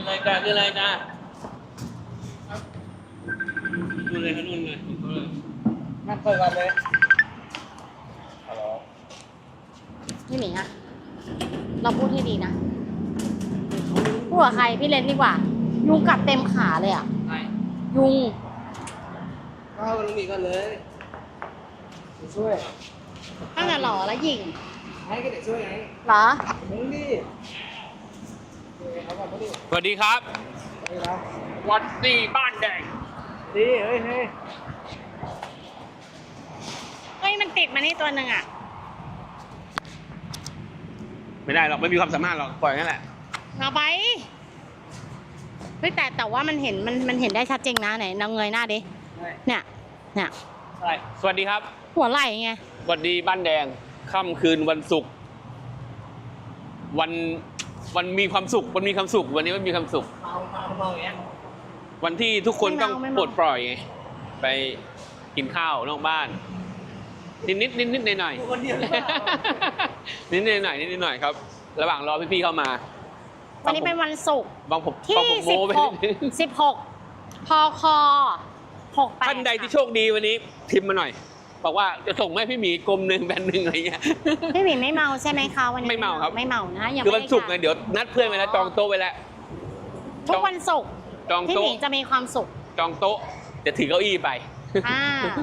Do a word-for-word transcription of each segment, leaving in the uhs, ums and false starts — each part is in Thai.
อะไรกันคืออะไรจ้านู่นเลยนู่นเลยนั่งเปิดกันเลยฮัลโหลพี่หมีอะเราพูดให้ดีนะพูดกับใครพี่เลนดีกว่า ยุงกัดเต็มขาเลยอ่ะใช่ยุงก็เอาลุงอีกกันเลยช่วยตั้งแต่หล่อแล้วหยิงให้ก็เด็กช่วยไงเหรอมึงดิสวัสดีครับวัดดีบ้านแดงดีเฮ้ยเฮ้ยเฮ้ยมันติดมานี่ตัวหนึ่งอ่ะไม่ได้หรอกไม่มีความสามารถหรอกปล่อยงั้นแหละเอาไปเฮ้ยแต่แต่ว่ามันเห็นมันมันเห็นได้ชัดเจนนะไหนนางเงยหน้าดิเนี่ยเนี่ยอะไรสวัสดีครับหัวไหล่ไงสวัสดีบ้านแดงค่ำคืนวันศุกร์วันวันมีความสุขวันมีความสุขวันนี้มันมีความสุขเมาเมาเมาอย่างเงี้ยวันที่ทุกคนต้องปลดปล่อยไงไปกินข้าวนอกบ้านนิดนิดนิดนิดหน่อยหน่อยคนเดียวนิดนิดหน่อยนิดนิดหน่อยครับ ระหว่างรอพี่ๆเข้ามาวันนี้เป็นวันศุกร์บางผมที่บางผมโม้สิบไปหกสิบหกพคหกแปดท่านใดที่โชคดีวันนี้พิมพ์มาหน่อยบอกว่าจะส่งให้พี่หมีกลมหนึ่งแบนหนึ่งอะไรเงี้ยพี่หมีไม่เมาใช่ไหมคะวันนี้ไม่เมาครับไม่เมานะยังคือไม่วันได้ศุกร์ไงการเดี๋ยวนัดเพื่อนไปแล้วจองโต๊ะไว้แล้วทุกวันศุกร์จองพี่หโต๊ะมีจะมีความสุขจองโต๊ะจะถือเก้าอี้ไปอ่า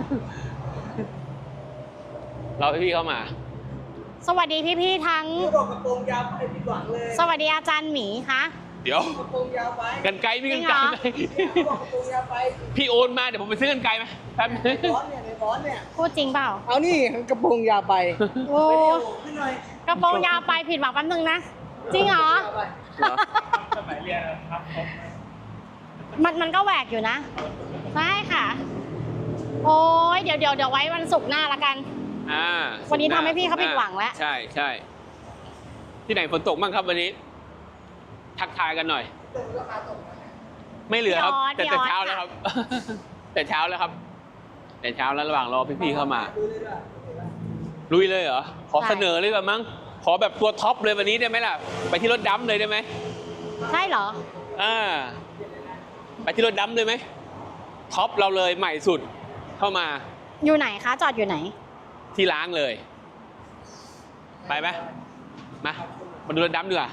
เราพี่ๆเข้ามาสวัสดีพี่ๆทั้งพี่บอกกระโปรงยาวไปผิดหวังเลยสวัสดีอาจารย์หมีคะเดี๋ยวกระโปรงยาวไปกันไกลมีกันไกลไหมพี่บอกกระโปรงยาวไปพี่โอนมาเดี๋ยวผมไปซื้อกันไกลไหมแป๊บนึงในบอสเนี่ยในบอสเนี่ยพูดจริงเปล่าเอานี่กระโปรงยาวไปโอ้ขึ้นหน่อยกระโปรงยาวไปผิดหวังแป๊บนึงนะ จริงเหรอยาวไปเหรอสมัยเรียนครับมันมันก็แหวกอยู่นะใช่ค่ะ โอ้ยเดี๋ยวเดี๋ยวเดี๋ยวไว้วันศุกร์หน้าละกันอ่าวันนี้ทำให้พี่เขาผิดหวังแล้วใช่ใช่ที่ไหนฝนตกบ้างครับวันนี้ ทักทายกันหน่อยตกราคาตกนะไม่เหลือครับ แต่พี่แต่ออสเช้าแล้วครับ แต่เช้าแล้วครับ แต่เช้าแล้วระหว่างรอพี่ๆเข้ามาดูเลยด้วยลุยเลยเหรอ ขอเสนอเลยแบบมั้ง ขอแบบตัวท็อปเลยวันนี้ได้ไหมล่ะ ไปที่รถดัมเลยได้ไหมใช่เหรออ่า ไปที่รถดัมเลยไหม ท็อปเราเลยใหม่สุด เข้ามาอยู่ไหนคะ จอดอยู่ไหนที่ล้างเลย ไปไหมมา มาดูรถดัมดีกว่า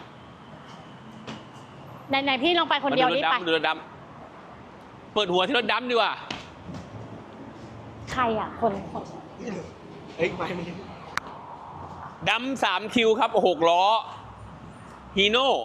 ไหนไหนพี่ลงไปคนเดียวมาดูรนี่ถไปดำดูรถดำเปิดหัวที่รถดำดีกว่าใครอ่ะ คนคนเฮ้ยไม่ไม่ดำสามคิวครับหกล้อฮีโน่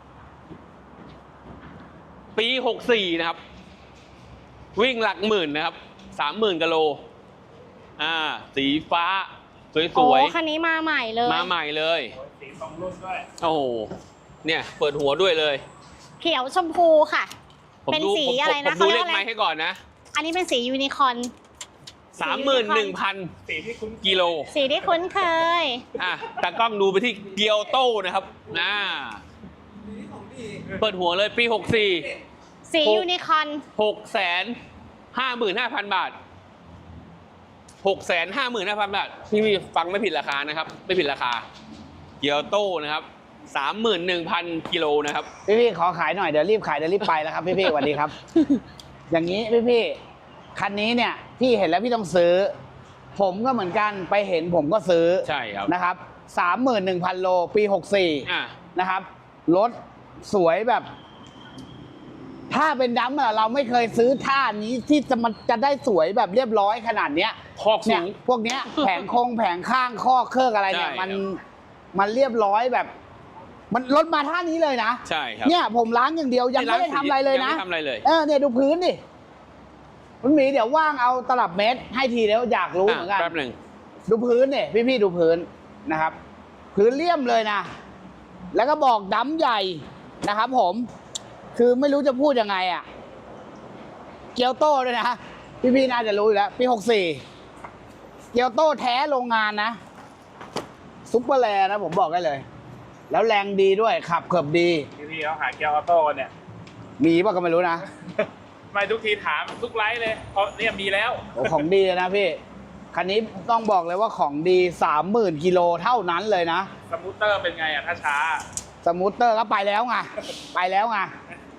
ปีหกสี่นะครับ วิ่งหลักหมื่นนะครับสามหมื่นกิโลอ่า สีฟ้า สโอ้วยคันนี้มาใหม่เลยๆ มาใหม่เลยสีสองรุ่นด้วยโอ้โห เนี่ย เปิดหัวด้วยเลยเขียวชมพูค่ะผมเป็นดูสีผมอะไรผนะมเขาดูเรีเลยกขว่าอะไรไม้ให้ก่อนนะอันนี้เป็นสียูนิคอร์นสามหมื่นหนึ่งพันสีที่คุ้นกิโลสีที่คุ้นเคยอ่ะตากล้องดูไปที่เกียวโต้นะครับอ่าสีของดีเปิดหัวเลยปีหกสี่สีหกยูนิคอร์นหกแสนห้าหมื่นห้าพันบาทหกแสนห้าหมื่นห้าพันบาทพี่ฟังไม่ผิดราคานะครับ ไม่ผิดราคา เกียวโต้นะครับสามหมื่นหนึ่งพันกิโลนะครับพี่พี่ๆขอขายหน่อยเดี๋ยวรีบขายเดี๋ยวรีบไปแล้วครับพี่พี่ๆสวัสดีครับ อย่างนี้พี่พี่ๆคันนี้เนี่ยพี่เห็นแล้วพี่ต้องซื้อ ผมก็เหมือนกันไปเห็นผมก็ซื้อใช่ครับนะครับสามหมื่นหนึ่งพันโลปีหกสี่อ่ะนะครับรถสวยแบบ ถ้าเป็นดัมป์อะเราไม่เคยซื้อท่านี้ที่จะมันจะได้สวยแบบเรียบร้อยขนาดเนี้ยคอกสูเนี่ยงพวกเนี้ย แผงโครงแผงข้างข้อเครื่องอะไรเนี่ยใช่มันครับมันเรียบร้อยแบบ มันรถมาท่านี้เลยนะใช่ครับเนี่ยผมล้างอย่างเดียวยังไม่ได้ทำอะไรเลยนะงไม่ทำอะไรเลยเออเนี่ยดูพื้นดิคุณหมีเดี๋ยวว่างเอาตลับเมตร ให้ทีเดียวอยากรู้เหมือนกันแป๊บหนึ่งดูพื้นเนี่ยพี่ๆดูพื้นนะครับ พื้นเลี่ยมเลยนะ แล้วก็บอกดำใหญ่นะครับ ผม คือไม่รู้จะพูดยังไงอ่ะเกียวโต้ด้วยนะพี่ๆน่าจะรู้อยู่แล้วปีหกสี่เกียวโต้แท้โรงงานนะซุปเปอร์แลนะผมบอกได้เลย แล้วแรงดีด้วยขับเกือบดีพี่พี่เขาหาเกียร์ออโต้กันเนี่ยมีป่ะก็ไม่รู้นะไม่ทุกทีถามทุกไลฟ์เลยเพราะเนี่ยมีแล้วโอ้ของดีเลยนะพี่ คันนี้ต้องบอกเลยว่าของดีสามหมื่นกิโลเท่านั้นเลยนะสมูทเตอร์เป็นไงอ่ะถ้าช้าสมูทเตอร์ก็ไปแล้วไง ไปแล้วไง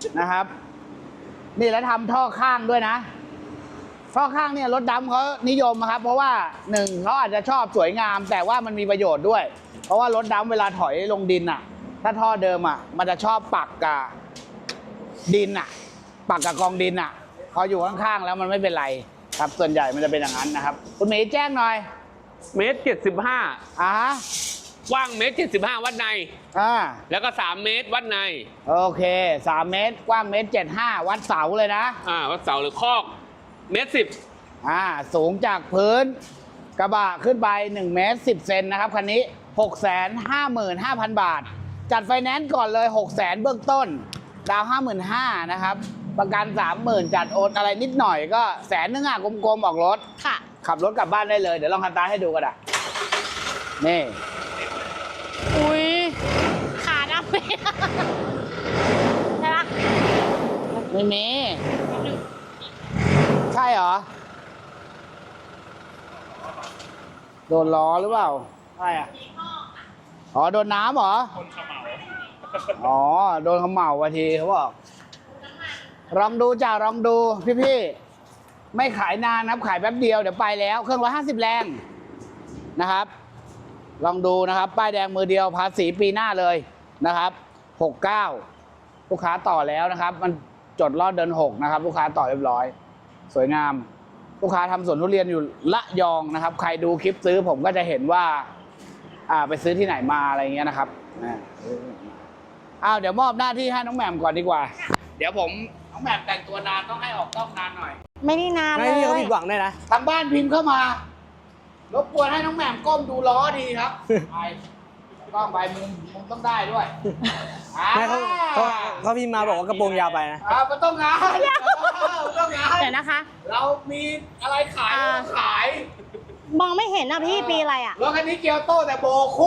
นะครับ นี่แล้วทำท่อข้างด้วยนะ ท่อข้างเนี่ยรถดำเขานิยมนะครับ เพราะว่าหนึ่งเขาอาจจะชอบสวยงาม แต่ว่ามันมีประโยชน์ด้วย เพราะว่ารถดำเวลาถอยลงดินอ่ะ ถ้าท่อเดิมอ่ะ มันจะชอบปักกับดินอ่ะ ปักกับกองดินอ่ะ พออยู่ข้างๆแล้วมันไม่เป็นไรครับ ส่วนใหญ่มันจะเป็นอย่างนั้นนะครับ คุณหมีแจ้งหน่อยเมตรเจ็ดสิบห้าอ่าฮะกว้างเมตรเจ็ดสิบห้าวัดในอ่าแล้วก็สามเมตรวัดในโอเคสามเมตรกว้างเมตรเจ็ดห้าวัดเสาเลยนะอ่าวัดเสาหรือคอกเมตรสิบอ่าสูงจากพื้นกระบะขึ้นไปหนึ่งเมตรสิบเซนนะครับคันนี้ หกแสนห้าหมื่นห้าพัน บาท จัดไฟแนนซ์ก่อนเลย หกแสนเบื้องต้น ดาว ห้าหมื่นห้าพัน นะครับ ประกัน สามหมื่น จัดโอนอะไรนิดหน่อยก็แสนนึงอ่ะกลมๆออกรถค่ะขับรถกลับบ้านได้เลย เดี๋ยวลองคันตาให้ดูกันอ่ะนี่อุ้ยขาดำไปใช่ปะไม่มีใช่เหรอ โดนล้อหรือเปล่าใช่อ่ะอ๋อโดนน้ำเหรอคนขมเหลาอ๋อ โดนเขาเหมาวะทีเขาบอกลองดูจ้าลองดูพี่ๆไม่ขายนานนะครับขายแป๊บเดียวเดี๋ยวไปแล้วเครื่องร้อยห้าสิบแรงนะครับ ลองดูนะครับ ป้ายแดงมือเดียวภาษีปีหน้าเลยนะครับหกเก้าลูกค้าต่อแล้วนะครับ มันจดรอดเดินหกนะครับ ลูกค้าต่อเรียบร้อย สวยงาม ลูกค้าทำสวนทุเรียนอยู่ละยองนะครับ ใครดูคลิปซื้อผมก็จะเห็นว่า อ่าไปซื้อที่ไหนมาอะไรเงี้ยนะครับนะอ้าวเดี๋ยวมอบหน้าที่ให้น้องแหม่มก่อนดีกว่า เดี๋ยวผมน้องแหม่มแต่งตัวนานต้องให้ออกต้องนานหน่อยไม่ได้นานเลไม่ยพี่เขาผิดหวังได้นะทางบ้านพิมพ์เข้ามารบกวนให้น้องแหม่มก้มดูล้อดีครับไปกล้องไปมุมมุมต้องได้ด้วยอ่าไม่เขาเขาเขาพิมพ์มาบอกว่ากระโปรงยาวไปนะอ่ามันต้องงานมันต้องงานเดี๋ยวนะคะเรามีอะไรขายเราขายมองไม่เห็นอ่ะพี่ปีอะไรอ่ะรถคันนี้เกียวโต้แต่โบคู่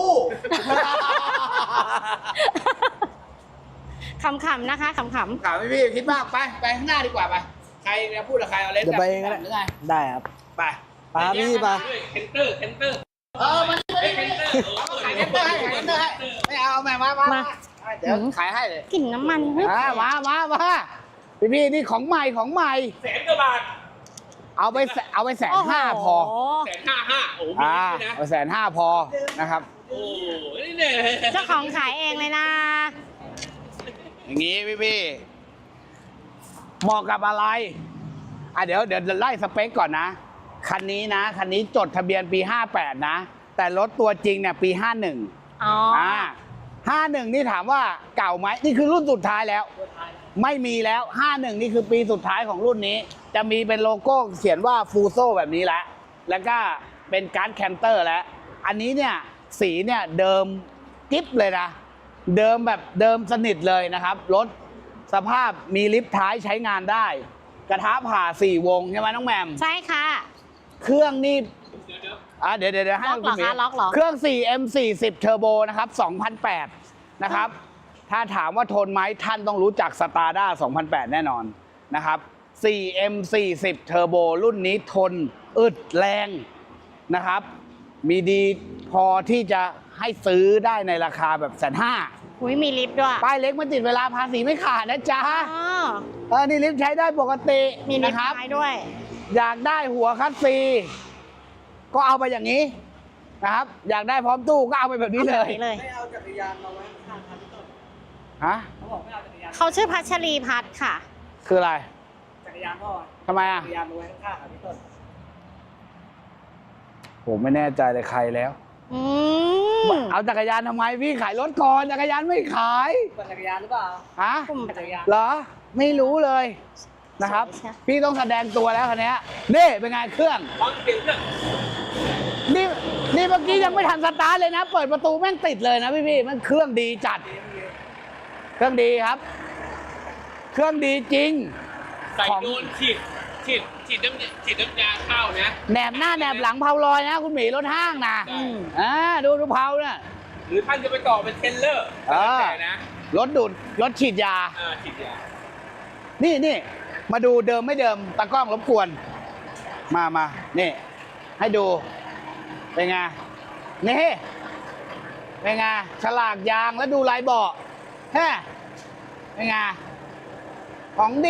ขำๆนะคะขำถามพี่พี่คิดมากไปไปข้างหน้าดีกว่าไปใครจะพูดกับใครเอาเล่นเดี๋ยวไปเองก็ได้หรือไงได้ครับไปไปครับพี่ไปด้วยเคนเตอร์เคนเตอร์เออมันไม่ได้เอาขายเงินได้ขายเงินได้ไม่เอาเอาแม่มามามาเดี๋ยวขายให้เลยๆกลิ่นน้ำมันเฮ้ยอ่ามามามาพี่พี่นี่ของใหม่ของใหม่แสนกว่าบาทเอาไปแสเอาไปแสนห้าพอโโหแสนห้าห้าโอ้โหมีอ่านิดด้วยนะเอาแสนห้าพอนะครับโอ้โหนี่เนี่ยเจ้าของขายเองเลยนะอย่างนี้พี่พี่เหมาะกับอะไรอ่ะเดี๋ยวเดี๋ยวไล่สเปคก่อนนะคันนี้นะคันนี้จดทะเบียนปีห้าแปดนะแต่รถตัวจริงเนี่ยปีห้าหนึ่งอ๋อออ่าห้าหนึ่งนี่ถามว่าเก่าไหมนี่คือรุ่นสุดท้ายแล้ว ไม่มีแล้วห้าหนึ่งนี่คือปีสุดท้ายของรุ่นนี้ จะมีเป็นโลโก้เขียนว่าฟูโซแบบนี้แล้วแล้วก็เป็นการ์ดแคนเตอร์แล้วอันนี้เนี่ยสีเนี่ยเดิมกิ๊บเลยนะเดิมแบบเดิมสนิทเลยนะครับรถสภาพมีลิฟต์ท้ายใช้งานได้ กระทะผ่าสี่วงใช่ไหมน้องแหม่มใช่ค่ะเครื่องนี่อ่ะเดี๋ยวเดี๋ยวเดี๋ยวให้ล็อกเหรอคุณหมีคะล็อกเหรอเครื่อง โฟร์ เอ็ม โฟร์สิบ Turbo นะครับสองพันแปดนะครับ ถ้าถามว่าทนไหมท่านต้องรู้จัก Stada สองพันแปดแน่นอนนะครับ โฟร์ เอ็ม โฟร์สิบ Turbo รุ่นนี้ทนอึดแรงนะครับ มีดีพอที่จะให้ซื้อได้ในราคาแบบแสนห้าอุ้ยมีลิฟต์ด้วยป้ายเล็กมาติดเวลาภาษีไม่ขาดนะจ๊ะอ๋อเออนี่ลิฟต์ใช้ได้ปกติมีลิฟนะต์ครับท้ายด้วยอยากได้หัวคัสซีก็เอาไปอย่างนี้นะครับ อยากได้พร้อมตู้ก็เอาไปแบบนี้เลยอาแบบเลยไม่เอาจักรยานมาไว้ข้างคันพี่ต้นฮะเขาบอกไม่เอาจักรยานเขาชื่อพัชรีพัฒน์ค่ะคืออะไรจักรยานพ่อทำไมอ่ะจักรยานมาไว้ข้างๆครับพี่ต้นผมไม่แน่ใจเลยใครแล้วอืมเอาจักรยานทำไมพี่ขายรถก่อนจักรยานไม่ขายปั่นจักรยานหรือเปล่าฮะกลุ่มปั่นจักรยานเหรอไม่รู้เลยนะครับใช่พี่ต้องแสดงตัวแล้วคันนี้นี่เป็นไงเครื่องฟังเสียงเครื่องนี่นี่เมื่อกี้ยังไม่ทันสตาร์ทเลยนะ เปิดประตูแม่งติดเลยนะพี่พี่มันเครื่องดีจัด เครื่องดีครับ เครื่องดีจริงใส่ของโดนฉีดฉีดฉีดน้ำยาฉีดน้ำยาเข้านะแหนบหน้าแหนบหลังเผาลอยนะ คุณหมีรถห้างนะอืมอ่าดูดูเผาน่ะหรือท่านจะไปต่อเป็นเทรลเลอร์อ่าแต่นะรถดูดรถฉีดยาอ่าฉีดยานี่นี่มาดูเดิมไม่เดิมตากล้องรบกวน มามานี่ ให้ดู เป็นไงนี่เป็นไงฉลากยางแล้วดูลายเบาะแฮะเป็นไงของดี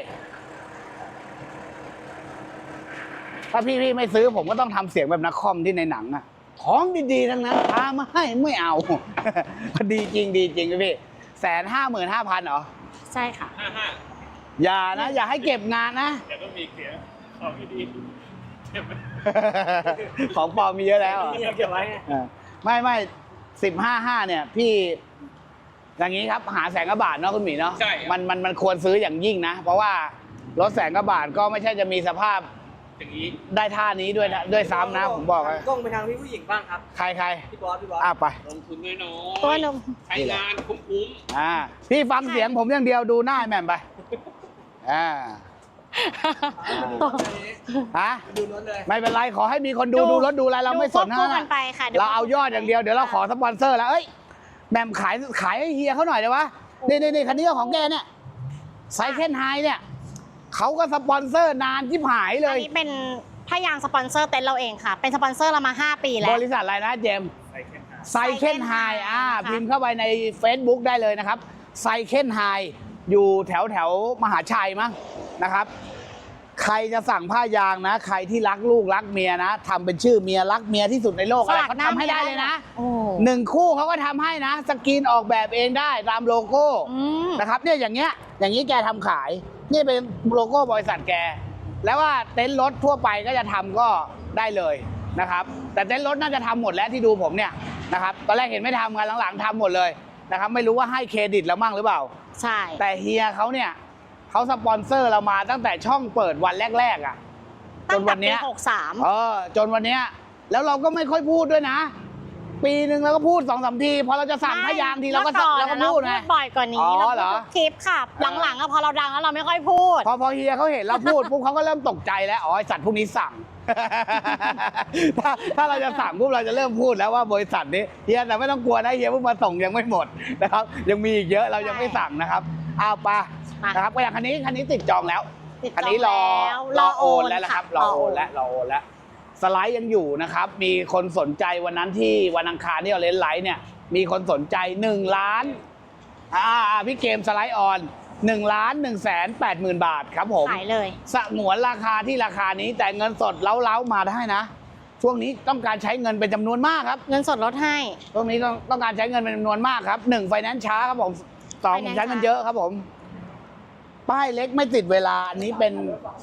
ถ้าพี่พี่ไม่ซื้อผมก็ต้องทำเสียงแบบนักคอมที่ในหนังอะของดีๆทั้งนั้นพามาให้ไม่เอา ดีจริงดีจริงพี่แสนห้าหมื่นห้าพันเหรอใช่ค่ะห้าห้าอย่านะ อย่าให้เก็บงานนะแต่ก็มีเสียงของดีๆเก็บไว้ของปลอมมีเยอะแล้วเหรอนี่เก็บไว้ไงเออไม่ไม่สิบห้าห้าเนี่ย พี่ อย่างนี้ครับ หาแสนกว่าบาทเนาะคุณหมีเนาะใช่มันมันมันควรซื้ออย่างยิ่งนะ เพราะว่ารถแสนกว่าบาทก็ไม่ใช่จะมีสภาพอย่างนี้ได้ท่านี้ด้วยนะด้วยซ้ำนะ ผมบอกเลยกล้องไปทางพี่ผู้หญิงบ้างครับใครใครพี่บอสพี่บอสอ่ะไปลงทุนน้อยตัวหนุ่มๆใช้งานคุ้มอ่าพี่ฟังเสียงผมอย่างเดียวดูหน้าไอ้แหม่มไปอ่าตัวฮะดูรถเลยไม่เป็นไรขอให้มีคนดูดูรถดูอะไรเราไม่สนดูควบคู่นะกันไปค่ะดี๋วเราเอายอดอย่างเดียวเดี๋ยวเราขอสปอนเซอร์แล้วเอ้ยแหม่มขายขายให้เฮียเขาหน่อยได้ปะนี่นี่นี่คันนี้ก็ของแกเนี่ยไซเคิลไฮเนี่ยเขาก็สปอนเซอร์นานที่หายเลอันยนี้เป็นผ้ายางสปอนเซอร์เต็นท์เราเองค่ะ เป็นสปอนเซอร์เรามาห้าปีแล้บวริษัทอะไรนะเจมส์ใส่แค่ห้าไซเคิลไฮ Cycle อ่า High พิมพ์เข้าไปใน Facebook ได้เลยนะครับไซเคิลไฮอยู่แถวแถวมหาชัยมั้งนะครับ ใครจะสั่งผ้ายางนะ ใครที่รักลูกรักเมียนะทำเป็นชื่อเมียรักเมียที่สุดในโลกอะไรเขาทำให้ได้เลยนะโอ้หนึ่งคู่เขาก็ทำให้นะ สกรีนออกแบบเองได้ตามโลโก้อืมนะครับเนี่ยอย่างเงี้ยอย่างนี้แกทำขายนี่เป็นโลโก้บริษัทแก แล้วว่าเต็นท์รถทั่วไปก็จะทำก็ได้เลยนะครับ แต่เต็นท์รถน่าจะทำหมดแล้วที่ดูผมเนี่ยนะครับตอนแรกเห็นไม่ทำกันหลังๆทำหมดเลยนะครับไม่รู้ว่าให้เครดิตแล้วมั่งหรือเปล่าใช่แต่เฮียเขาเนี่ยเขาสปอนเซอร์เรามาตั้งแต่ช่องเปิดวันแรกๆอ่ะจตั้งนแต่วันปีเนี้ยหกสามเออจนวันเนี้ยแล้วเราก็ไม่ค่อยพูดด้วยนะ ปีหนึ่งเราก็พูดสองสามทีพอเราจะสั่งพยางทีเราก็สั่งเราก็พูดนะไงบ่อยกว่านี้อ๋อเราเหรพูอดทุกคลิปค่ะ หลังๆอะพอเราดังแล้วเราไม่ค่อยพูดพอพอเฮียเขาเห็นเราพูดปุ๊บเขาก็เริ่มตกใจแล้วอ๋อไอสัตว์พวกนี้สั่ง ถ้าถ้าเราจะสั่งปุ๊บเราจะเริ่มพูดแล้วว่าบริษัทนี้เฮียแต่ไม่ต้องกลัวนะเฮียเพิ่งมาส่งยังไม่หมดนะครับ ยังมีอีกเยอะเรายังไม่สั่งนะครับเอาไปมานะครับก็อย่างคันนี้คันนี้ติดจองแล้วติดจคันองนี้รอแล้วรอโอนแล้วนะค่ะครับรอโอนแล้วรอโอนแล้วสไลด์ยังอยู่นะครับ มีคนสนใจวันนั้นที่วันอังคารที่เราเล่นไลฟ์เนี่ย มีคนสนใจหนึ่งล้านอ่าอ่าพี่เกมสไลด์ออนหนึ่งล้านหนึ่งแสนแปดหมื่นบาทครับผมขายเลยสงวนราคาที่ราคานี้แต่เงินสดเล้าๆมาได้นะ ช่วงนี้ต้องการใช้เงินเป็นจำนวนมากครับเงินสดลดให้ช่วงนี้ต้องต้องการใช้เงินเป็นจำนวนมากครับหนึ่งไฟแนนซ์ช้าครับผมสองผม Finance ใช้เงินเยอะครับผม ป้ายเล็กไม่ติดเวลาอันนี้เป็น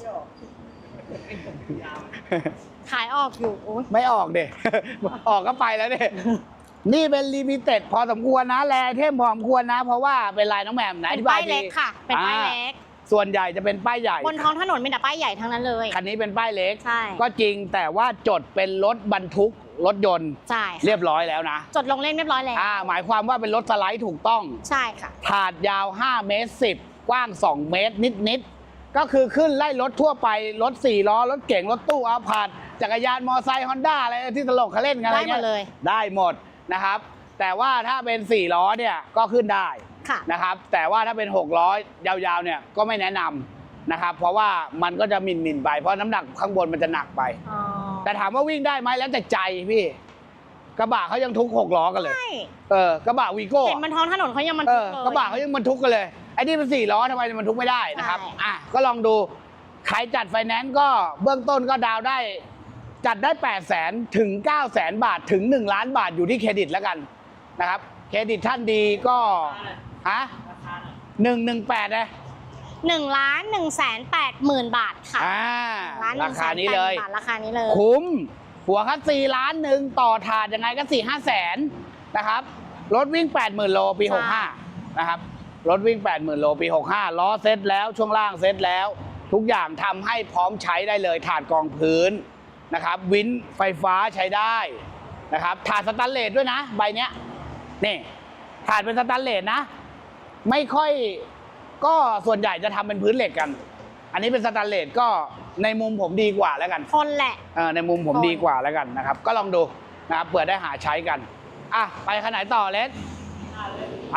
ขายออกอยู่โอ้ยไม่ออกเด็ ออกก็ไปแล้วเด็นี่เป็นลิมิเต็ดพอสมควรนะแลเทมพอสมควรนะ เพราะว่าเป็นลายน้องแหม่มไหนเป็นอธิบป้ายทีเล็กค่ะ เป็นป้ายเล็กอ่าส่วนใหญ่จะเป็นป้ายใหญ่บนท้องถนนมีแต่ป้ายใหญ่ทั้งนั้นเลยคันนี้เป็นป้ายเล็กใช่ก็จริงแต่ว่าจดเป็นรถบรรทุกรถยนต์ใช่ค่ะเรียบร้อยแล้วนะจดลงเล่มเรียบร้อยแล้วอ่าหมายความว่าเป็นรถสไลด์ถูกต้องใช่ค่ะถาดยาวห้าเมตรสิบกว้างสองเมตรนิดๆก็คือขึ้นไล่รถทั่วไปรถสี่ล้อรถเก๋งรถตู้อาพาธจักรยานมอไซค์ฮอนด้าอะไรที่ตลกเขาเล่นกันอะไรได้หมเงี้ดเลยได้หมดนะครับ แต่ว่าถ้าเป็นสี่ล้อเนี่ยก็ขึ้นได้ค่ะนะครับ แต่ว่าถ้าเป็นหกล้อยาวๆเนี่ยก็ไม่แนะนำนะครับ เพราะว่ามันก็จะหมิ่นๆไปเพราะน้ำหนักข้างบนมันจะหนักไปอ๋อแต่ถามว่าวิ่งได้ไหมแล้วแต่ใจพี่กระบะเขายังทุกหกล้อกันเลยใช่เออกระบะวีโก้เห็นบนท้องถนนเขายังมันเอทุอกเลยกระบะเขายังบรรทุกกันเลยไอ้นี่เป็นสี่ล้อทำไมมันบรรทุกไม่ได้นะครับใช่อ่ะก็ลองดูใครจัดไฟแนนซ์ก็เบื้องต้นก็ดาวน์ได้ จัดได้แปดแสนถึงเก้าแสนบาทถึงหนึ่งล้านบาทอยู่ที่เครดิตแล้วกันนะครับเครดิตท่านดีก็ฮะราคาหน่อยหนึ่งหนึ่งแปดนะหนึ่งล้านหนึ่งแสนแปดหมื่นบาทค่ะอ่าล้านหรานึ่งแสคาน นี้แปดหเลมื่ยนบาทราคานี้เลยคุ้มหัวคัสซีล้านหนึ่งต่อถาดยังไงก็สี่ห้าแสนนะครับรถวิ่งแปดหมื่นโลปีหกห้านะครับรถวิ่งแปดหมื่นโลปีหกห้าล้อเซ็ตแล้วช่วงล่างเซ็ตแล้ว ทุกอย่างทำให้พร้อมใช้ได้เลยถาดกองพื้นนะครับวินไฟฟ้าใช้ได้นะครับถาดสแตนเลสด้วยนะใบเนี้ยนี่ถาดเป็นสแตนเลสนะ ไม่ค่อยก็ส่วนใหญ่จะทำเป็นพื้นเหล็กกัน อันนี้เป็นสแตนเลสก็ในมุมผมดีกว่าแล้วกันคนแหละเออในมุมผมคนดีกว่าแล้วกันนะครับ ก็ลองดูนะครับเผื่อได้หาใช้กันอ่ะไปขนาดต่อเลสไป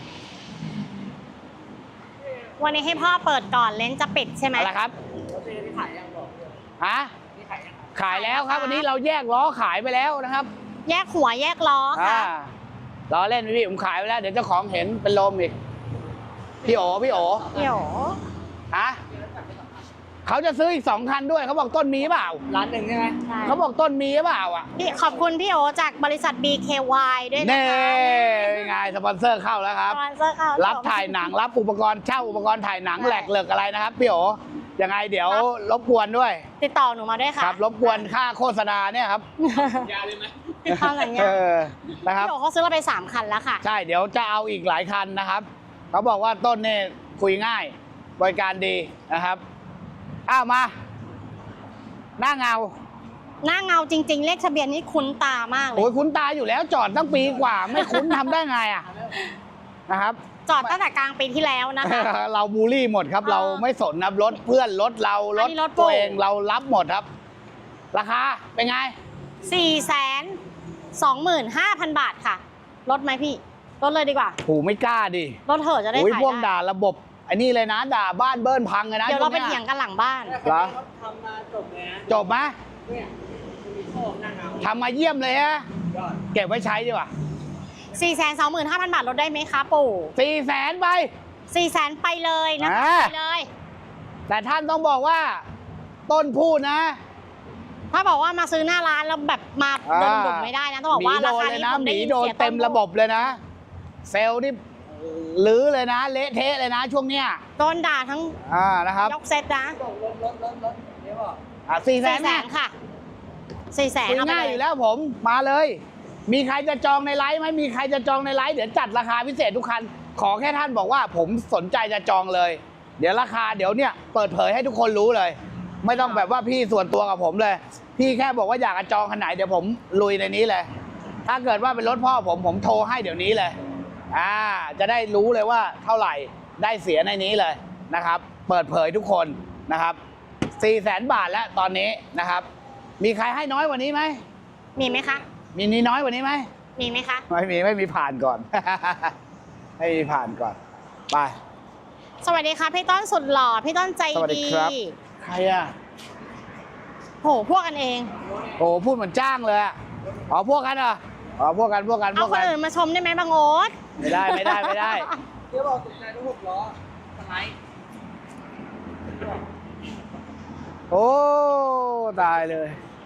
วันนี้ให้พ่อเปิดก่อนเลนส์จะปิดใช่ไหมอะไรครับรถเจนี่ขายยังบอกเลยฮะนี่ขายยังครับขายแล้วครับ วันนี้เราแยกล้อขายไปแล้วนะครับแยกหัวแยกล้ออ่าค่ะล้อเล่นพี่ผมขายไปแล้วเดี๋ยวเจ้าของเห็นเป็นลมอีกพี่โอพี่โอเดี๋ยวฮะเขาจะซื้ออีกสองคันด้วยเขาบอกต้นมีเปล่าร้านหนึ่งใช่ไหมใช่เขาบอกต้นมีเปล่าอ่ะพี่ขอบคุณพี่โอจากบริษัท บี เค วาย ด้วยนะเน่คะเป็นไงสปอนเซอร์เข้าแล้วครับสปอนเซอร์เข้ารับถ่ายหนังรับอุปกรณ์เช่าอุปกรณ์ถ่ายหนังใช่แหลกเหลิกอะไรนะครับพี่โอยังไงเดี๋ยวรบกวนด้วยติดต่อหนูมาด้วยค่ะครับรบกวนค่าโฆษณาเนี่ยครับยาเลยไหมทำอย่างเงี้เอย อนะครับพี่โอเขาซื้อเราไปสามคันแล้วค่ะใช่เดี๋ยวจะเอาอีกหลายคันนะครับเขาบอกว่าต้นเนี่ยคุยง่ายบริการดีนะครับอ้าวมา หน้าเงาหน้าเงาจริง ๆ เลขทะเบียนนี่คุ้นตามากเลโอ้ยยคุ้นตาอยู่แล้วจอดตั้งปีกว่า ไม่คุ้นทำได้ไงอ่ะนะครับจอดตั้งแต่กลางปีที่แล้วนะคะเราบูลลี่หมดครับเออเราไม่สนนะรถเพื่อนรถเรารอัถนนี้รถตัวปู่เองเรารับหมดครับ ราคาเป็นไงสี่แสนสองหมื่นห้าพันบาทค่ะลดไหมพี่ลดเลยดีกว่าผูไม่กล้าดิลดเถอะจะได้โอ้ยขายพวกได้ด่าระบบไอ้นี่เลยนะ ด่าบ้านเบิ้ลพังเลยนะเดี๋ยวเราไปช่เถียงกันหลังบ้านเหรอเขาทำมาจบเลยนะจบไหมเนี่ยมันมีโชคหน้าเงาทำมาเยี่ยมเลยฮะยอดเก็บไว้ใช้ดีกว่าสี่แสนสองหมื่นห้าพันบาทลดได้ไหมคะปู่สี่แสนไปสี่แสนไปเลยนะอ่าไปเลยแต่ท่านต้องบอกว่า ต้นพูดนะถ้าบอกว่ามาซื้อหน้าร้านแล้วแบบมาอ่าโดนดุไม่ได้นะต้องบอกว่าหมีราโดนคาเลยนี้นะผมหได้มียินโดนเสียเต็มต้นระบบเลยนะ เซลล์นี่ลื้อเลยนะ เละเทะเลยนะช่วงเนี้ยโดนด่าทั้งอ่านะครับยกเซตนะบอกรถรถรถรถเดี๋ยวบอกอ่ะสี่แสสี่นแสนะนค่ะสี่แสนคุยเอาไปง่ายเลอย ยู่แล้วผมมาเลย มีใครจะจองในไลฟ์ไหมมีใครจะจองในไลฟ์เดี๋ยวจัดราคาพิเศษทุกคัน ขอแค่ท่านบอกว่าผมสนใจจะจองเลย เดี๋ยวราคาเดี๋ยวเนี่ยเปิดเผยให้ทุกคนรู้เลย ไม่ต้องแบบว่าพี่ส่วนตัวกับผมเลย พี่แค่บอกว่าอยากจะจองคันไหนเดี๋ยวผมลุยในนี้เลย ถ้าเกิดว่าเป็นรถพ่อผมผมโทรให้เดี๋ยวนี้เลย อ่า จะได้รู้เลยว่าเท่าไหร่ได้เสียในนี้เลยนะครับ เปิดเผยทุกคนนะครับสี่แสนบาทแล้วตอนนี้นะครับ มีใครให้น้อยกว่านี้ไหมมีไหมคะมีนี้น้อยกว่านี้ไหมมีไหมคะไม่มีไม่มีผ่านก่อน ไม่มีผ่านก่อน ไปสวัสดีค่ะพี่ต้นสุดหล่อพี่ต้นใจสวัสดีดีครับ ใครอ่ะโหพวกกันเองโอ้พูดเหมือนจ้างเลยอะอ๋อพวกกันเหรออ๋อพวกกันพวกกันพเอาวกคนกันอื่นมาชมได้ไหมบางโอ๊ตไม่ได้ไม่ได้ไม่ได้เดี๋ยวบอกตกใจรถหกล้อสไลด์โอ้ตายเลย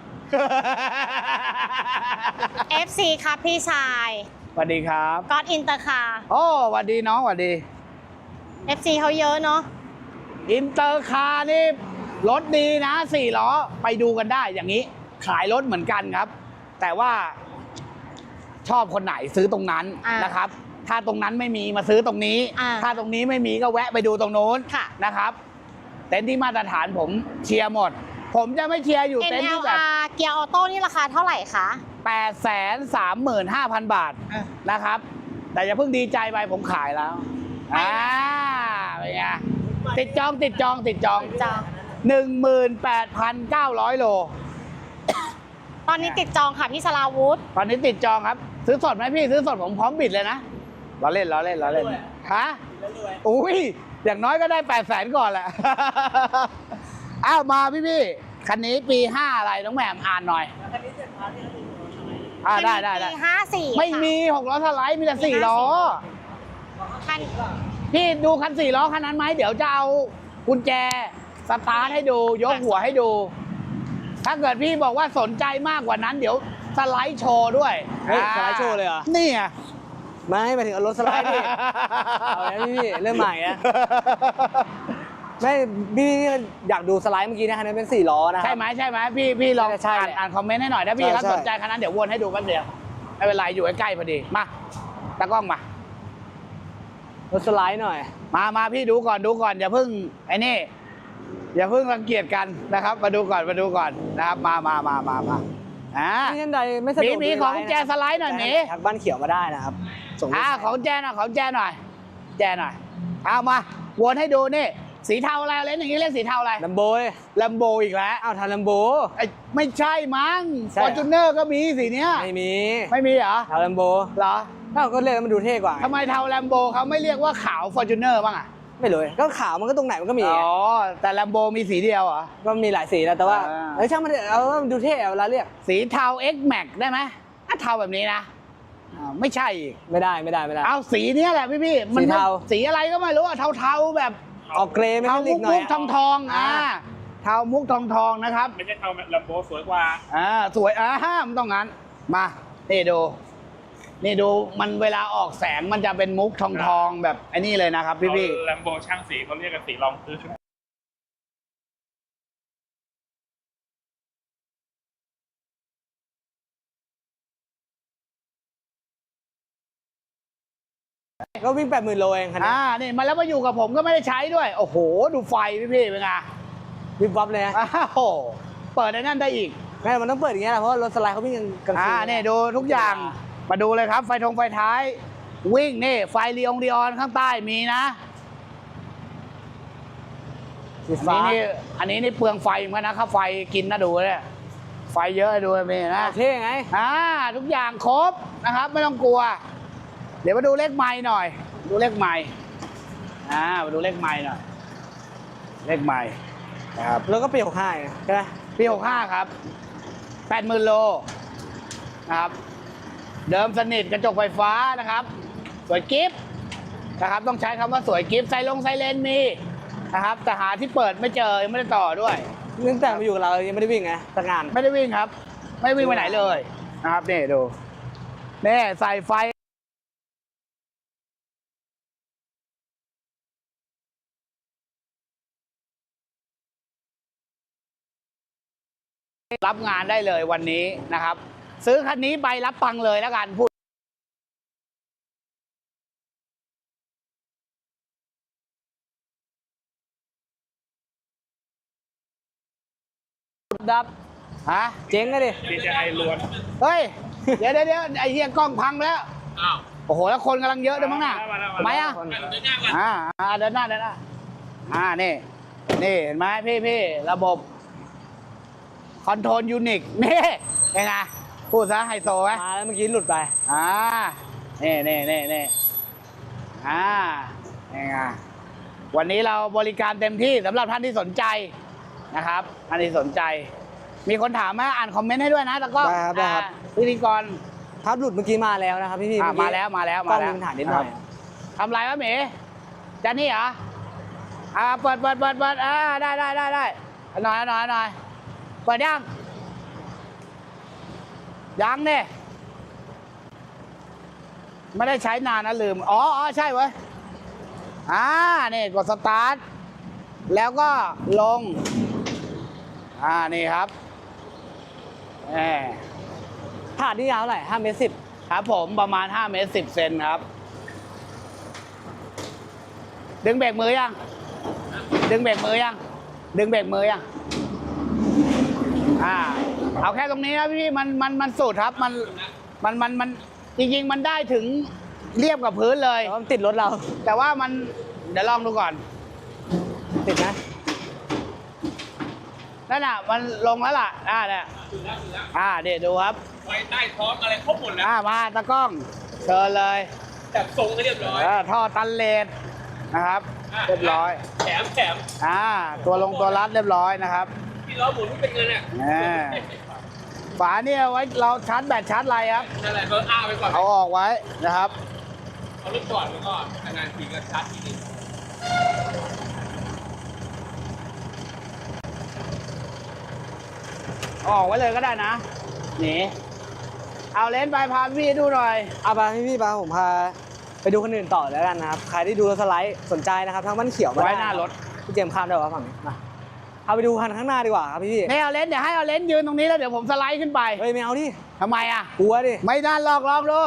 เอฟ ซี ครับพี่ชายสวัสดีครับก็อดอินเตอร์คาโอ้สวัสดีน้องสวัสดีเอฟ ซี เขาเยอะเนาะอินเตอร์คาร์นี่รถดีนะสี่ล้อไปดูกันได้อย่างนี้ ขายรถเหมือนกันครับ แต่ว่าชอบคนไหนซื้อตรงนั้นอ่านนะครับ ถ้าตรงนั้นไม่มีมาซื้อตรงนี้อ่าถ้าตรงนี้ไม่มีก็แวะไปดูตรงโน้นค่ะนะครับ เต็นท์ที่มาตรฐานผมเชียร์หมด ผมจะไม่เชียร์อยู่เอ็นเต็นท์แอที่ลแบบอาร์ เกียร์ออโต้นี่ราคาเท่าไหร่คะแปดแสนสามหมื่นห้าพันบาทอ่ะนะครับ แต่อย่าเพิ่งดีใจไปผมขายแล้วไม่อ่านะเป็นไงติดจองติดจองติดจองจองหนึ่งหมื่นแปดพันเก้าร้อยโลตอนนี้ติดจองค่ะพี่สลาวุธตอนนี้ติดจองครับ ซื้อสดไหมพี่ซื้อสดผมพร้อมบิดเลยนะเราเล่นเราเล่นเราเล่นฮะอุ้ยอย่างน้อยก็ได้แปดแสนก่อนแหละ อ้าวมาพี่พี่คันนี้ปีห้าอะไรน้องแหม่มอ่านหน่อยคันนี้เจ็ดพันที่เขาดูทำไมอ่าได้ได้ได้ปีห้าสี่ไม่มีหกล้อสไลด์มีแต่สี่ล้อคันพี่ดูคันสี่ล้อคันนั้นไหมเดี๋ยวจะเอากุญแจสตาร์ทให้ดูยกหัวให้ดู ถ้าเกิดพี่บอกว่าสนใจมากกว่านั้น เดี๋ยวสไลด์โชว์ด้วยเฮ้ยสไลด์โชว์เลยเหรอนี่ไงไม่หมายถึงเอารถสไลด์ดิ เอาแล้วพี่เริ่มใหม่นะ ไม่พี่อยากดูสไลด์เมื่อกี้นะคันนี้เป็นสี่ล้อนะครัใช่ไหมใช่ไหมพี่พี่ลองใช่อ่านแหละอ่านคอมเมนต์ให้หน่อยถ้าพี่ใช่เขาใช่สนใจคันนั้นเดี๋ยววนให้ดูแป๊บเดียวไม่เป็นไรอยู่ใกล้ๆพอดีมาตากล้องมารถสไลด์หน่อยมามาพี่ดูก่อนดูก่อนอย่าเพิ่งไอ้นี่อย่าเพิ่งรังเกียจกันนะครับ มาดูก่อนมาดูก่อนนะครับมามามามามาอ่าที่ท่านใดไม่สะดมีวกมีดูของไลน์แจสไลด์หน่อยหมีทักบ้านเขียวมาได้นะครับส่งอ่าของแจหน่อยของแจหน่อย แจหน่อยเอามาวนให้ดูนี่สีเทาอะไรเล่นอย่างนี้เรียกสีเทาอะไรลัมโบยแลมโบอีกแล้วอ้าวทันลัมโบไอ้ไม่ใช่มั้งใช่ฟเหรออร์จูเนอร์ก็มีสีเนี้ยไม่มีไม่มีเหรอทันลัมโบเหรออ้าวก็เลยกมันดูเท่กว่าไงทำไมเทาแลมโบเขาไม่เรียกว่าขาวฟอร์จูเนอร์บ้างอ่ะไม่รู้ก็ขาวมันก็ตรงไหนมันก็มีอ๋อแต่แลมโบมีสีเดียวเหรอก็มีหลายสีแล้วแต่ว่าอ่าเอ้ยช่างมันเถอะเอาว่ามันดูเท่เอาเวลาเรียกสีเทา X Max ได้ไหมอ่ะเทาแบบนี้นะอ่าไม่ใช่อีกไม่ได้ไม่ได้ไม่ได้เอาสีเนี้ยแหละพี่พี่ๆมันสีเทาสีอะไรก็ไม่รู้อะเทาๆแบบออกเกรย์ไม่เทาลิมุกกหน่อมุยกทองทองๆอ่าเทามุกทองทองๆนะครับไม่ใช่เทาลัมโบสวยกว่าอ่าสวยอ่าห้ามนต้องงั้นมานี่ดูนี่ดูมันเวลาออกแสงมันจะเป็นมุกทองทองๆแบบไอ้นี่เลยนะครับพี่พี่ลัมโบช่างสีเขาเรียกกันสีรองพื้นก็วิ่งแปดหมื่นโลเองคันนี้อ่านี่มาแล้วมาอยู่กับผมก็ไม่ได้ใช้ด้วย โอ้โห ดูไฟพี่พี่เป็นไงวิบวับเลยนะอ้าวเปิดในนั่นได้อีกแม่มันต้องเปิดอย่างเงี้ยแหละเพราะว่ารถสไลด์เขาวิ่งกลางคือ่าน นี่ดูทุกอย่างมาดูเลยครับ ไฟทงไฟท้าย วิ่งนี่ไฟลีองดีออนข้างใต้มีนะสีอันฟ้านี้นี่อันนี้นี่เปลืองไฟเหมือนกันนะค่าไฟกินนะดูเนี่ยไฟเยอะดูมีนะเท่ไงอ่าทุกอย่างครบนะครับ ไม่ต้องกลัว เดี๋ยวมาดูเลขไม้หน่อย ดูเลขไม้อ่ามาดูเลขไม้หน่อย เลขไม้นะครับแล้วก็เปลี่ยวค่ายใช่ไหมปีหกห้าครับแปดหมื่นโลนะครับ เดิมสนิทกระจกไฟฟ้านะครับ สวยกิฟต์นะครับ ต้องใช้คำว่าสวยกิฟต์ไซลงไซเลนมีนะครับ แต่หาที่เปิดไม่เจอยังไม่ได้ต่อด้วยตั้งแต่มาอยู่กับเรายังไม่ได้วิ่งไงแต่งานไม่ได้วิ่งครับ ไม่วิ่งไปไหนเลยนะครับนี่ดูนี่ใส่ไฟรับงานได้เลยวันนี้นะครับ ซื้อคันนี้ไปรับตังค์เลยแล้วกันพูดดับฮะเจ๊งเลยดิดีเจไอล้วนเฮ้ย เดี๋ยวเดี๋ยวเดี๋ยวไอ้เหี้ยกล้องพังแล้วอ้าวโอ้โห แล้วคนกำลังเยอะด้วยมั้งน่ะมาแล้วทำไมอ่ะมาแล้วเดินหน้าก่อนอ่าอ่าเดินหน้าเดินหน้าอ่านี่ นี่เห็นไหมพี่พี่ระบบคอนโทรลยูนิคนี่ยังไงพูดซะไฮโซไหมมาแล้วเมื่อกี้หลุดไปอ่านี่นี่นี่นี่อ่ายังไงวันนี้เราบริการเต็มที่สำหรับท่านที่สนใจนะครับท่านที่สนใจ มีคนถามมาอ่านคอมเมนต์ให้ด้วยนะแต่ก็ได้ครับได้ครับอ่าพิธีกรทับหลุดเมื่อกี้มาแล้วนะครับพี่พี่อ่ะเอกี้มาแล้วมาแล้วกล้มาองแล้วมีปัญหานิดหน่อยทำไรวะหมีจะนี่เหรออ่าเปิดเปิดเปิดเปิดอ่าได้ได้ได้ได้เอาหน่อยเอาหน่อยเอาหน่อยเปิดยังยังเนี่ยไม่ได้ใช้นานนะลืมอ๋ออ๋อใช่เว้ยอ่านี่กดสตาร์ทแล้วก็ลงอ่านี่ครับแหมถาดนี่ยาวเท่าไหร่ห้าเมตรสิบครับผมประมาณห้าเมตรสิบเซนครับ ดึงเบรกมือยัง ดึงเบรกมือยัง ดึงเบรกมือยัง อ่า เอาแค่ตรงนี้นะพี่มันมันมันสุดครับ มันมันมันมันจริงๆ มันได้ถึงเรียบกับพื้นเลยแต่ว่ามันติดรถเราแต่ว่ามันเดี๋ยวลองดูก่อนติดไหมนั่นน่ะ มันลงแล้วล่ะ อ่าเนี่ยอ่าเดี๋ยวดูครับไว้ใต้ท้องอะไรครบหมดแล้วอ่ามาตะกล้องเชิญเลยจับทรงให้เรียบร้อยเออท่อตันเลนนะครับ เรียบร้อยแถมแถมอ่า ตัวลงตัวรัดเรียบร้อยนะครับที่ล้อหมุนไม่เป็นเงินอ่ะอ่า ฝาเนี่ยไว้เราชาร์จแบตชาร์จอะไรครับนั่นแหละก็อ้าไปก่อนเอาออกไว้นะครับเอารถจอดแล้วก็นานๆทีก็ชาร์จทีนึงเอาออกไว้เลยก็ได้นะนี่เอาเลนส์ไปพาพี่ดูหน่อยเอาไปพี่พี่ปาผมพาไปดูคนอื่นต่อแล้วกันนะครับใครที่ดูรถสไลด์สนใจนะครับทางบ้านเขียวมาไว้ด้หน้ารถพี่เจมส์ข้ามได้ป่ะฝั่งนี้มาเอาไปดูคันข้างหน้าดีกว่าครับพี่พี่นี่เอาเลนส์เดี๋ยวให้เอาเลนส์ยืนตรงนี้แล้วเดี๋ยวผมสไลด์ขึ้นไปเฮ้ยไม่เอาดิทำไมอ่ะกลัวดิไม่น่าลอกลองดู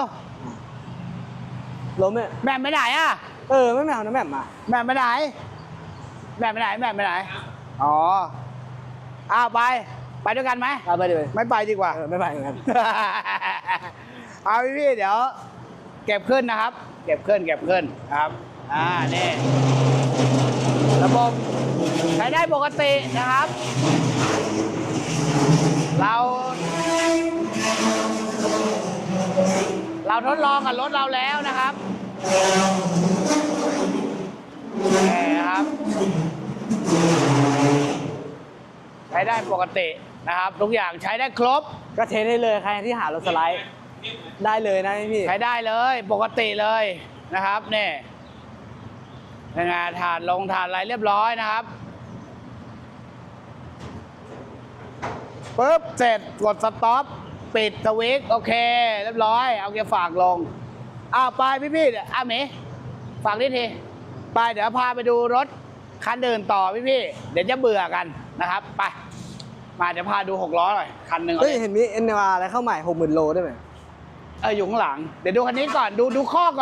ล้มเนี่ยแม่มไปไหนอ่ะเออไม่เอานะแม่มมาแม่มไปไหน แม่มไปไหนแม่มไปไหน อ๋ออ้าวไป ไปด้วยกันไหมเอาไปดิไปไม่ไปดีกว่าเออไม่ไปเหมือนกันเอาพี่พี่ๆเดี๋ยว เก็บขึ้นนะครับ เก็บขึ้นเก็บขึ้นนะครับ อ่านี่ระบบใช้ได้ปกตินะครับ เรา เราทดลองกับรถเราแล้วนะครับนี่ครับ ใช้ได้ปกตินะครับ ทุกอย่างใช้ได้ครบก็เทสได้เลยใครที่หารถสไลด์ได้เลยนะพี่ใช้ได้เลยปกติเลยนะครับนี่เป็นไงฐานลงฐานอะไรเรียบร้อยนะครับปุ๊บเสร็จกดสต็อปปิดสวิตช์โอเค เรียบร้อย เอาเกียร์ฝากลงอ้าวไปพี่ๆเดี๋ยวอ่ะเมย์ฝากนิดทีไปเดี๋ยวพาไปดูรถคันอื่นต่อพี่ๆเดี๋ยวจะเบื่อกันนะครับไปมาเดี๋ยวพาดูหกล้อหน่อยคันหนึ่งเฮ้ย เห็นมี เอ็น อาร์ อะไรเข้าใหม่หกหมื่นโลได้ไหมเอออยู่ข้างหลังเดี๋ยวดูคันนี้ก่อนดูดูข้อก่อน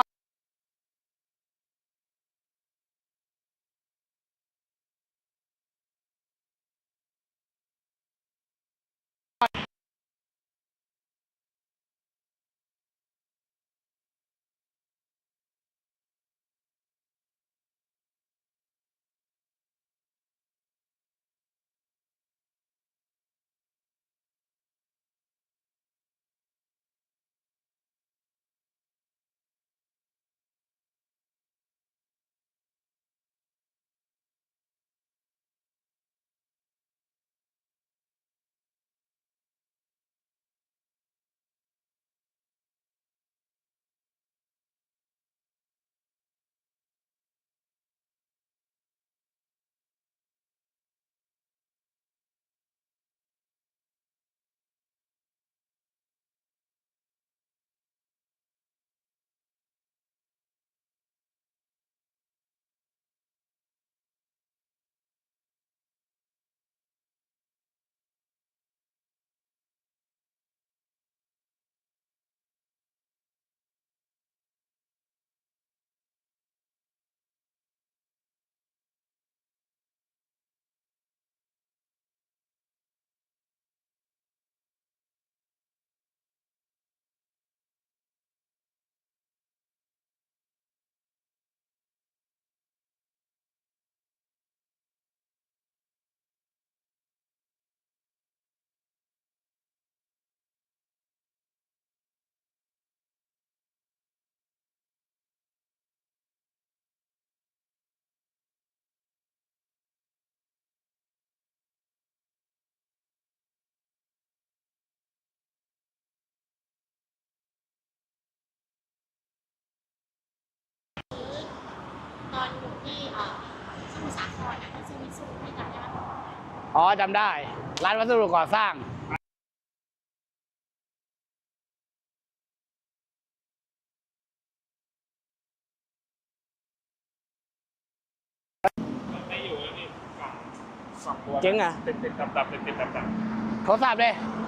ตอนอยู่ที่เอ่อสมุทรสาครนะที่ซื้อมิตซูที่จำได้ไหมอ๋อจำได้ร้านวัสดุก่อสร้างมันไม่อยู่แล้วนี่ฝั่งฝั่งตัวเจ๊งอะติดติดดับดับติดติดดับดับโทรศัพท์เลย